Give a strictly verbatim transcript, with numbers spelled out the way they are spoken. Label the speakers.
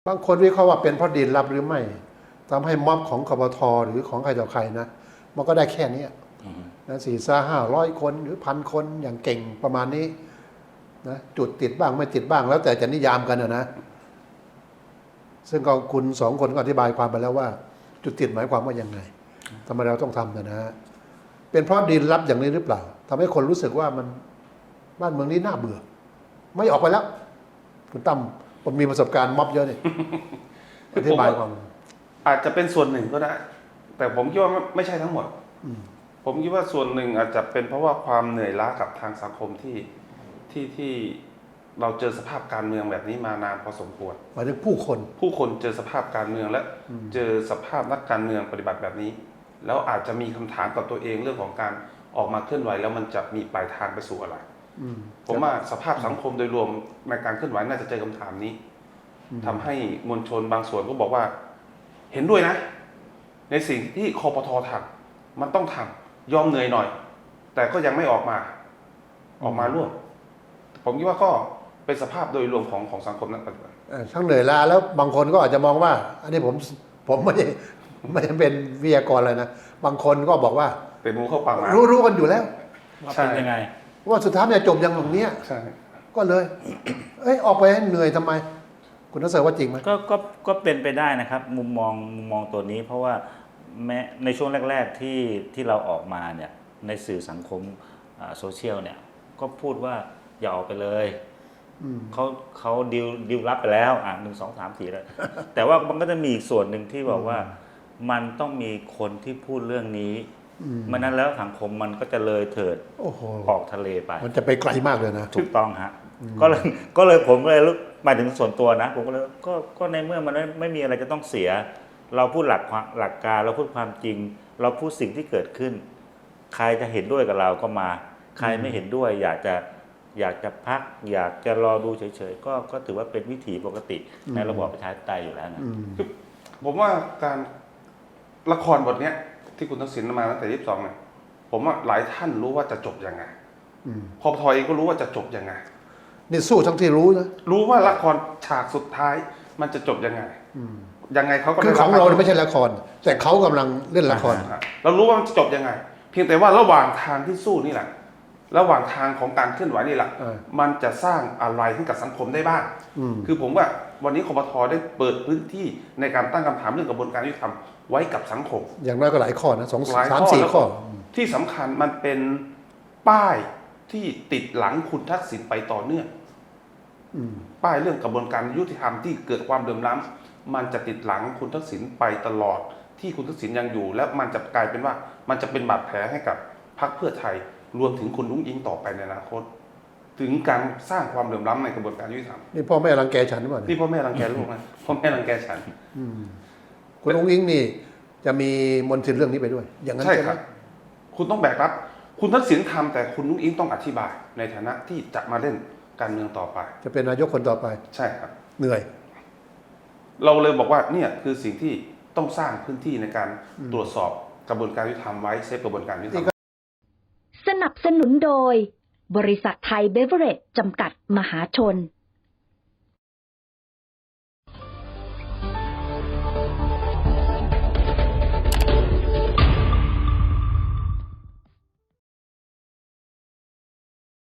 Speaker 1: บางคนวิเคราะห์ว่าเป็นเพราะดินรับหรือไม่ทำให้ม็อบของคปทหรือของใครต่อใครนะมันก็ได้แค่นี้นะสี่ซ่าห้าร้อยคนหรือพันคนอย่างเก่งประมาณนี้นะจุดติดบ้างไม่ติดบ้างแล้วแต่จะนิยามกันนะซึ่งก็คุณสองคนก็อธิบายความไปแล้วว่า จุดติดหมายความว่ายังไงทำไมเราต้องทำนะฮะเป็นเพราะดินรับอย่างนี้หรือเปล่าทำให้คนรู้สึกว่ามันบ้านเมืองนี้น่าเบื่อไม่ออกไปแล้วคุณตั้มผมมีประสบการณ์ม็อบเยอะนี่อธิบายความ
Speaker 2: อาจจะเป็นส่วนหนึ่งก็ได้แต่ผมคิดว่าไม่ใช่ทั้งหมดผมคิดว่าส่วนหนึ่งอาจจะเป็นเพราะว่าความเหนื่อยล้ากับทางสังคมที่ที่ที่เราเจอสภาพการเมืองแบบนี้มานานพอสมควร
Speaker 1: หมายถึงผู้คน
Speaker 2: ผู้คนเจอสภาพการเมืองและเจอสภาพนักการเมืองปฏิบัติแบบนี้แล้วอาจจะมีคำถามกับตัวเองเรื่องของการออกมาเคลื่อนไหวแล้วมันจะมีปลายทางไปสู่อะไรผมว่าสภาพสังคมโดยรวมในการเคลื่อนไหวน่าจะเจอคำถามนี้ทำให้มวลชนบางส่วนก็บอกว่าเห็นด้วยนะในสิ่งที่คปท.ทำมันต้องทำยอมเหนื่อยหน่อยแต่ก็ยังไม่ออกมาออกมาร่วมผมคิดว่าก็เป็นสภาพโดยรวมของของสังคมนักปฏิบัติ
Speaker 1: ทั้งเหนื่อยล้าแล้วบางคนก็อาจจะมองว่าอันนี้ผมผมไม่ไม่เป็นวิทยากรเลยนะบางคนก็บอกว่า
Speaker 2: เป็นมูเข้าปากหมา
Speaker 1: รู้รู้กันอยู่แล้ว
Speaker 3: ว่าเป็นยังไง
Speaker 1: ว่าสุดท้ายจะจบอย่างตรงนี้
Speaker 2: ใช่
Speaker 1: ก็เลยเอ้ยออกไปให้เหนื่อยทำไมคุณนักเสว่าจริงไหม
Speaker 3: ก็ก็ก็เป็นไปได้นะครับมุมมองมุมมองตัวนี้เพราะว่าแม้ในช่วงแรกๆที่ที่เราออกมาเนี่ยในสื่อสังคมโซเชียลเนี่ยก็พูดว่าอย่าออกไปเลยเขาเขาดิวดิวรับไปแล้วอ่ะหนึ่งสองสามสี่แล้วแต่ว่ามันก็จะมีอีกส่วนหนึ่งที่บอกว่ามันต้องมีคนที่พูดเรื่องนี้มันนั้นแล้วสังคมมันก็จะเลยเถิดออกทะเลไป
Speaker 1: มันจะไปไกลมากเลยนะ
Speaker 3: ถูกต้องฮะก็เลยก็เลยผมเลยหมายถึงส่วนตัวนะผมก็เลยก็ก็ในเมื่อมันไม่มีอะไรจะต้องเสียเราพูดหลักหลักการเราพูดความจริงเราพูดสิ่งที่เกิดขึ้นใครจะเห็นด้วยกับเราก็มาใครไม่เห็นด้วยอยากจะอยากจะพักอยากจะรอดูเฉยๆก็ก็ถือว่าเป็นวิถีปกติในระบอบประชาธิปไตยอยู่แล้วนะ
Speaker 2: ผมว่าการละครบทนี้ที่คุณทักษิณมาตั้งแต่ยี่สิบสองเนี่ยผมว่าหลายท่านรู้ว่าจะจบยังไงคปท.เองก็รู้ว่าจะจบยังไง
Speaker 1: นี่สู้ทั้งที่รู้นะ
Speaker 2: รู้ว่าละครฉากสุดท้ายมันจะจบยังไงยังไงเขาก็
Speaker 1: คือของเราไม่ใช่ละครแต่เขากำลังเล่นละคร
Speaker 2: เรารู้ว่ามันจะจบยังไงเพียงแต่ว่าระหว่างทางที่สู้นี่แหละระหว่างทางของการเคลื่อนไหวนี่แหละมันจะสร้างอะไรให้กับสังคมได้บ้างคือผมว่าวันนี้คปท.ได้เปิดพื้นที่ในการตั้งคำถามเรื่องกระบวนการยุติธรรมไว้กับสังคม
Speaker 1: อย่างน้อยก็หลายข้อนะสองสามสี่ข้อ
Speaker 2: ที่สำคัญมันเป็นป้ายที่ติดหลังคุณทักษิณไปต่อเนื่องป้ายเรื่องกระบวนการยุติธรรมที่เกิดความเดือดร้อนมันจะติดหลังคุณทักษิณไปตลอดที่คุณทักษิณยังอยู่และมันจะกลายเป็นว่ามันจะเป็นบาดแผลให้กับพรรคเพื่อไทยรวมถึงคุณนุ้งอิงต่อไปในอนาคตถึงการสร้างความเดือดร้อนในกระบวนการยุติธรรม
Speaker 1: นี่พ่อแม่รังแกฉันหรือเปล่า
Speaker 2: นี่พ่อแม่รังแกลูกนะพ่อแม่รังแกฉัน
Speaker 1: คุณนุ้งอิงนี่จะมีมนทินเรื่องนี้ไปด้วยอย่างนั้น
Speaker 2: ใช่ครับคุณต้องแบกรับคุณทักษิณทำแต่คุณนุ้งอิงต้องอธิบายในฐานะที่จะมาเล่นการเมืองต่อไป
Speaker 1: จะเป็นนายกคนต่อไป
Speaker 2: ใช่ครับ
Speaker 1: เหนื่อย
Speaker 2: เราเลยบอกว่าเนี่ยคือสิ่งที่ต้องสร้างพื้นที่ในการตรวจสอบกระบวนการยุติธรรมไว้เซฟกระบวนการยุติธรรม
Speaker 4: สนับสนุนโดยบริษัทไทยเบเวอเรจจำกัดมหาชน